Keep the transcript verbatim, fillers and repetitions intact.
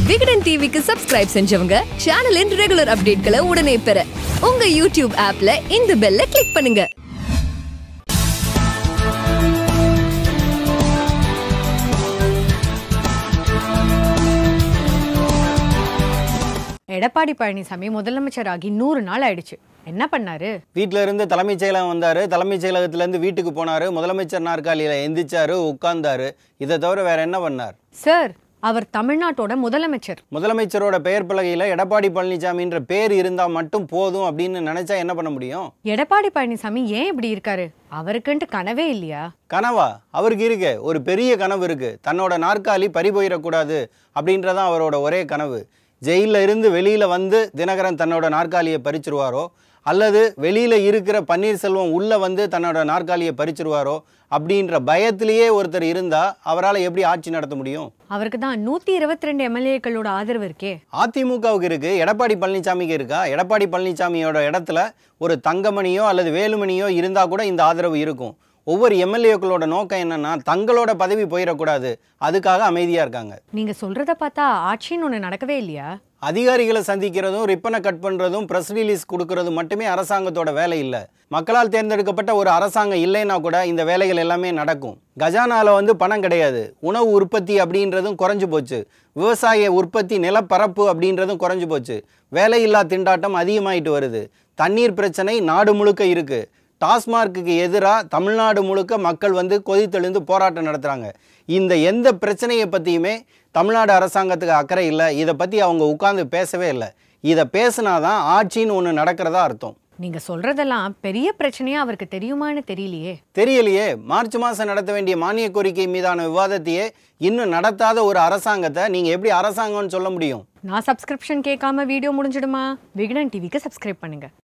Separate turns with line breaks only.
விகடன் டிவிக்கு சப்ஸ்கிரைப் செஞ்சவங்க சேனலின் ரெகுலர் அப்டேட்களை உடனே பெற உங்க யூடியூப் ஆப்ல இந்த பெல்ல கிளிக் பண்ணுங்க.
எடப்பாடி பழனிசாமி முதலமைச்சராகி நூறு நாள் ஆயிடுச்சு. என்ன பண்ணாரு?
வீட்டில இருந்து தலைமைச் செயலகம் வந்தாரு, தலைமைச் செயலகத்துல இருந்து வீட்டுக்கு போனாரு, முதலமைச்சர் நாற்காலியில எந்திரிச்சாரு, உட்கார்ந்தாரு. இதை தவிர வேற என்ன பண்ணார்?
சார், அவர் தமிழ்நாட்டோட முதலமைச்சர்.
முதலமைச்சரோட பெயர் பலகையில எடப்பாடி பழனிசாமின்ற பேர் இருந்தா மட்டும் போதும் அப்படின்னு நினைச்சா என்ன பண்ண முடியும்?
எடப்பாடி பழனிசாமி ஏன் இப்படி இருக்காரு? அவருக்குன்ட்டு கனவே இல்லையா?
கனவா? அவருக்கு இருக்கு, ஒரு பெரிய கனவு இருக்கு. தன்னோட நாற்காலி பறிபோயிடக்கூடாது அப்படின்றதான் அவரோட ஒரே கனவு. ஜெயிலில் இருந்து வெளியில் வந்து தினகரன் தன்னோட நாற்காலியை பறிச்சிருவாரோ, அல்லது வெளியில் இருக்கிற பன்னீர்செல்வம் உள்ளே வந்து தன்னோட நாற்காலியை பறிச்சிருவாரோ அப்படின்ற பயத்திலேயே ஒருத்தர் இருந்தால் அவரால் எப்படி ஆட்சி நடத்த முடியும்?
அவருக்கு தான் நூற்றி இருபத்தி ரெண்டு எம்எல்ஏக்களோட ஆதரவு இருக்கே.
அதிமுகவுக்கு இருக்கு, எடப்பாடி பழனிசாமிக்கு இருக்கா? எடப்பாடி பழனிசாமியோட இடத்துல ஒரு தங்கமணியோ அல்லது வேலுமணியோ இருந்தால் கூட இந்த ஆதரவு இருக்கும். ஒவ்வொரு எம்எல்ஏக்களோட நோக்கம் என்னன்னா தங்களோட பதவி போயிடக்கூடாது, அதுக்காக அமைதியா இருக்காங்க.
நீங்க சொல்றத பார்த்தா ஆட்சின்னு ஒன்று நடக்கவே இல்லையா?
அதிகாரிகளை சந்திக்கிறதும் ரிப்பனை கட் பண்றதும் பிரஸ் ரிலீஸ் கொடுக்கறதும் மட்டுமே அரசாங்கத்தோட வேலை இல்லை. மக்களால் தேர்ந்தெடுக்கப்பட்ட ஒரு அரசாங்கம் இல்லைன்னா கூட இந்த வேலைகள் எல்லாமே நடக்கும். கஜானால வந்து பணம் கிடையாது, உணவு உற்பத்தி அப்படின்றதும் குறைஞ்சு போச்சு, விவசாய உற்பத்தி நிலப்பரப்பு அப்படின்றதும் குறைஞ்சு போச்சு, வேலையில்லா திண்டாட்டம் அதிகமாயிட்டு வருது, தண்ணீர் பிரச்சனை நாடு முழுக்க இருக்கு. டாஸ்மார்க்கு எதிராக தமிழ்நாடு முழுக்க மக்கள் வந்து கொதித்தெழுந்து போராட்டம் நடத்துகிறாங்க. இந்த எந்த பிரச்சனையை பற்றியுமே தமிழ்நாடு அரசாங்கத்துக்கு அக்கறை இல்லை. இதை பற்றி அவங்க உட்கார்ந்து பேசவே இல்லை. இதை பேசினாதான் ஆட்சின்னு ஒன்று நடக்கிறதா அர்த்தம்.
நீங்க சொல்றதெல்லாம் பெரிய பிரச்சனையா அவருக்கு தெரியுமான்னு தெரியலையே.
தெரியலையே. மார்ச் மாதம் நடத்த வேண்டிய மானிய கோரிக்கை மீதான விவாதத்தையே இன்னும் நடத்தாத ஒரு அரசாங்கத்தை நீங்க எப்படி அரசாங்கம்னு சொல்ல முடியும்?
நான் சப்ஸ்கிரிப்ஷன் கேட்காம வீடியோ முடிஞ்சிடுமா? விகடன் டிவிக்கு சப்ஸ்கிரைப் பண்ணுங்க.